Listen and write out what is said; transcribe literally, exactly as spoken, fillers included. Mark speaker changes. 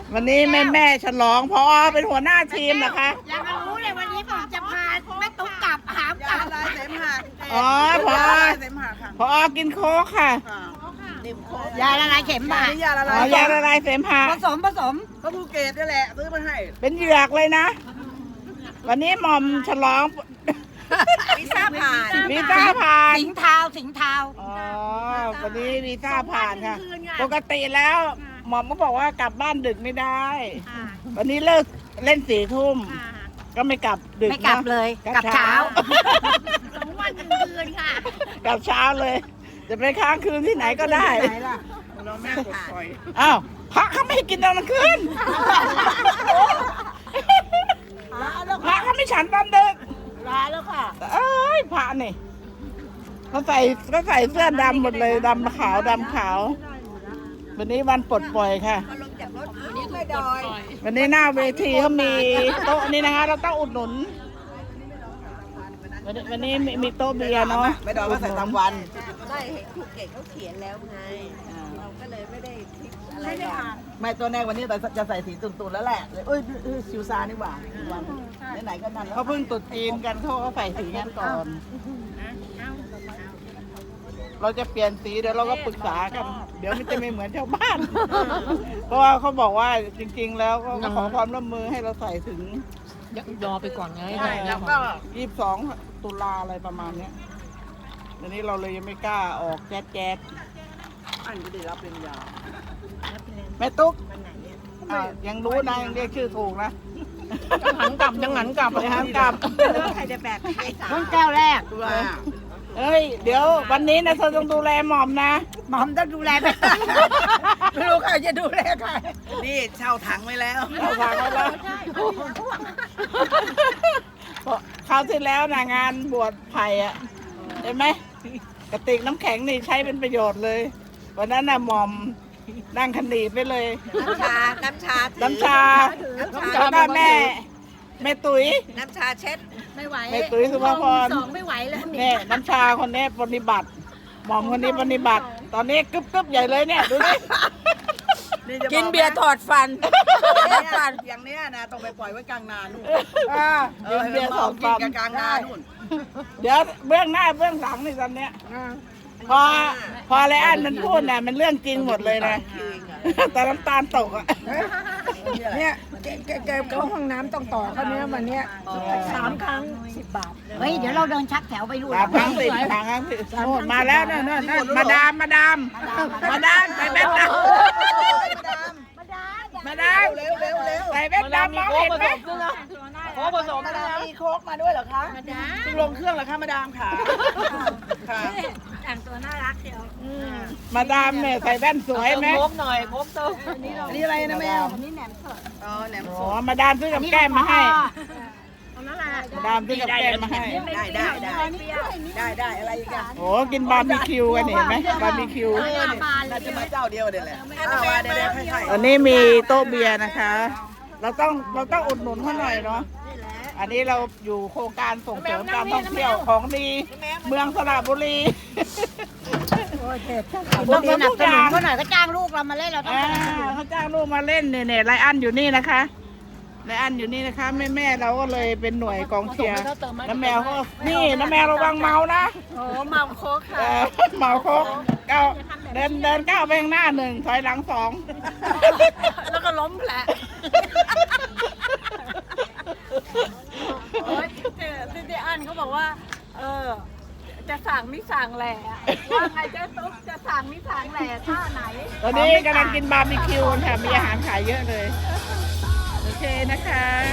Speaker 1: วันนี้แม่แม่ฉลองพอเป็นหัวหน้าทีมนะคะ
Speaker 2: อยากรู้เลยวันนี้ผมจะพาแม่ตุ๊กกลับหามกลับ
Speaker 3: ลายเสมหะ
Speaker 1: อ๋อพอ
Speaker 3: เสมหะค่ะ
Speaker 1: พอกินโค้กค่ะ
Speaker 3: นิ่มโค
Speaker 2: ยาละลายเข็มบา
Speaker 3: นี่ยาละ
Speaker 1: อ๋
Speaker 3: ลาย
Speaker 1: อยาละลายเสมหะ
Speaker 2: ผสมผสม
Speaker 3: ก็ภูเก็ตนี่แหละซื้อมาให้
Speaker 1: เป็นเหยือกเลยนะ วันนี้หม่อมฉลอง
Speaker 3: วีซ่าผ่าน
Speaker 1: วีซ่าผ่าน
Speaker 2: สิงเทาสิงเทา
Speaker 1: อ๋อวันนี้วีซ่าผ่านค่ะ ปกติแล้วหม่อมก็บอกว่ากลับบ้านดึกไม่ได้ วันนี้เลิกเล่นสี่ทุ่มก็ไม่กลับดึก
Speaker 2: ไม่กลับ
Speaker 1: นะ
Speaker 2: เลยกลับเช้า
Speaker 4: สองวันหนึ่งคืนค่ะ
Speaker 1: กลับเช้าเลย จะไปค้างคืนที่ไหนก็ได้
Speaker 3: เราแม่กดปล่อย
Speaker 1: อ้าวพระเขาไม่ให้กินตอนกลางคืนพระเขาไม่ฉันตอนดึก
Speaker 2: ลาแล้วค่ะ
Speaker 1: เอ้ยพระนี่เขาใส่เขาใส่เสื้อดำหมดเลยดำขาวดำขาว วันนี้วันปลดปล่อยค่ะ
Speaker 3: ไม่ดอย
Speaker 1: วันนี้หน้าเวทีเขามีโต๊ะนี่นะคะ เราต้องอุดหนุน วันนี้วันนี้มีมีโต๊ะเบียร์เนาะ
Speaker 3: ไม่ดอยก็ใส่ตามวัน
Speaker 5: ไม่เห็นภูเก็ตเขาเขียนแล้วไง เราก็เลยไม่ได้คิดอะไรหรอก
Speaker 3: ไม่ตัวแรกวันนี้จะใส่สีตุ่นๆแล้วแหละเอ้ยชิวซานี่หว่าวันไหนๆก็นั่นแล้ว
Speaker 1: เขาเพิ่งตรุษจีนกันเขาก็ใส่สีงั้นก่อน เราจะเปลี่ยนสีเดี๋ยวเราก็ปรึกษากัน เดี๋ยวมันจะไม่เหมือนชาวบ้าน เพราะว่าเขาบอกว่าจริงๆ แล้วก็ขอความร่วมมือให้เราใส่ถึง
Speaker 6: ยอไปก่อนไง
Speaker 1: แล้วก็ยี่สิบสองตุลาอะไรประมาณเนี้ยเดี๋ยวนี้เราเลยยังไม่กล้าออกแจ๊ดแจ๊ด
Speaker 3: อันก็ได้รับเป็นยา
Speaker 1: แม่ตุ๊กอ่ะยังรู้นะยังเรียกชื่อถูกนะ
Speaker 6: ยังหันกลับยังหันกลับ
Speaker 1: ไปหามกลับ
Speaker 3: ใครจะแบกใครสา
Speaker 2: ต้นแก้วแรก
Speaker 3: ตัว
Speaker 1: เอ้ย เดี๋ยววันนี้นะเธอต้องดูแลหม่อมนะ
Speaker 2: หมอมต้องดูแลไป
Speaker 3: ไม่รู้ใครจะดูแลใครนี่เช่าถังไว้แล้ว
Speaker 1: เราฟังไว้แล้วคราวที่แล้วนะงานบวชไผ่อะเห็นไหมกระติกน้ำแข็งนี่ใช้เป็นประโยชน์เลย วันนั้นน่ะหม่อมนั่งคันดีไปเลย
Speaker 5: น้ำชา น้ำชาถือ
Speaker 1: น้ำชา
Speaker 5: น้ำชา
Speaker 1: แล้วก็แม่แม่ตุ๋ย
Speaker 5: น้ำชาเช็ด
Speaker 4: ไม่ไหว
Speaker 1: แม่ตุ๋ยสุภาพร
Speaker 4: สองไม่ไหวแล้ว
Speaker 1: เนี่ยน้ำชาคนนี้ปฏิบัติ หม่อมคนนี้ปฏิบัติ ตอนนี้กึบกึบใหญ่เลยเนี่ยดูดิ
Speaker 6: กินเบียร์ถอดฟัน
Speaker 3: ฟันอย่างเนี้ยนะต้องไปปล่อยไว้กลางนานู่น
Speaker 1: อ่า
Speaker 3: เอ
Speaker 1: กิ
Speaker 3: อน
Speaker 1: เบียร์สอง
Speaker 3: กิ
Speaker 1: ฟั
Speaker 3: น
Speaker 1: น
Speaker 3: กันกลางนานู่น
Speaker 1: เดี๋ยวเบื้องหน้าเบื้องหลังนี่ตอนเนี้ยพอพอไรอันมันพูดน่ะมันเรื่องจริงหมดเลยนะแต่น้ำตาลตกอ่ะ
Speaker 3: เนี่ยแกแกแกเข้าห้องน้ำต้องต่อเขาเนี้ยมันเนี้ยสามครั้งสิบบาท
Speaker 2: เฮ้ยเดี๋ยวเราเดินชักแถวไปดู
Speaker 1: สามครั้งสิสามครั้งสิโน่นมาแล้วนั่นนั่นนั่นมาดามมาดามมาดามใส่แว่นดำมาดาม
Speaker 3: เร็วเร็วเร็ว
Speaker 1: ใส่แว่นดำมองเห็นไหม
Speaker 6: โค้กผสม
Speaker 3: มาดามมีโค้กมาด้วยเหรอคะ
Speaker 4: มาดา
Speaker 3: เพิ่งลงเครื่องเหรอคะมาดามค่ะค่ะ
Speaker 4: แต่งตัวน่ารักเชียว
Speaker 1: มาดามเนี่ยใส่แว่นสวยไหม
Speaker 6: โค้กหน่อยโค้กเติม
Speaker 3: อันนี้อะไรนะแมวอ๋อแหนม
Speaker 1: อ๋
Speaker 3: ส
Speaker 1: อ
Speaker 3: ด
Speaker 1: มาดามซื้อกับแก้มมาให้
Speaker 4: ตรงนั้นแหละ
Speaker 1: มาดามซื้อกับแก้มมาให้
Speaker 3: ได้ได้ได้ได้ได้อะไรอีกอะ
Speaker 1: โอ้กินบาร์บีคิวกันเห็นไหมบาร์บีคิว
Speaker 3: เออเนี่ยน่าจะมาเจ้าเดียวเดี๋ยวแหละอ้าวมาเดี๋ยวเดี๋ยวให้
Speaker 1: วันนี้มีโต๊ะเบียร์นะคะ เราต้องเราต้องอุดหนุนเขาหน่อยเนาะ อันนี้เราอยู่โครงการส่งเสริมการท่องเที่ยวของดีเมืองสระบุรี
Speaker 2: ต้องสนับสนุนเขาหน่อยก็จ้างลูกเรามาเล่นเราต้อง
Speaker 1: อ่า
Speaker 2: สนับสนุน
Speaker 1: เขาจ้างลูกมาเล่นเนี่ยเนี่ยไรอันอยู่นี่นะคะไรอันอยู่นี่นะคะแม่แม่ๆเราก็เลยเป็นหน่วยกองเชียร์น้ำแมวก็นี่น้ำแมวระวังเมานะ
Speaker 4: โอ้เมาโค้กค่ะ
Speaker 1: เออเมาโคกก้าวเดินเดินก้าวไปข้างหน้าหนึ่งถอยหลังสอง
Speaker 4: แล้วก็ล้มแผลโอ้ยที่ที่อันเขาบอกว่า เออ จะสั่งมิสั่งแหล่ว่าไงเจ๊ตุ๊กจะสั่งมิสั่งแหล่ท่าไหน
Speaker 1: ตอนนี้กำลังกินบาร์บีคิวกันค่ะมีอาหารขายเยอะเลย โอเคนะคะ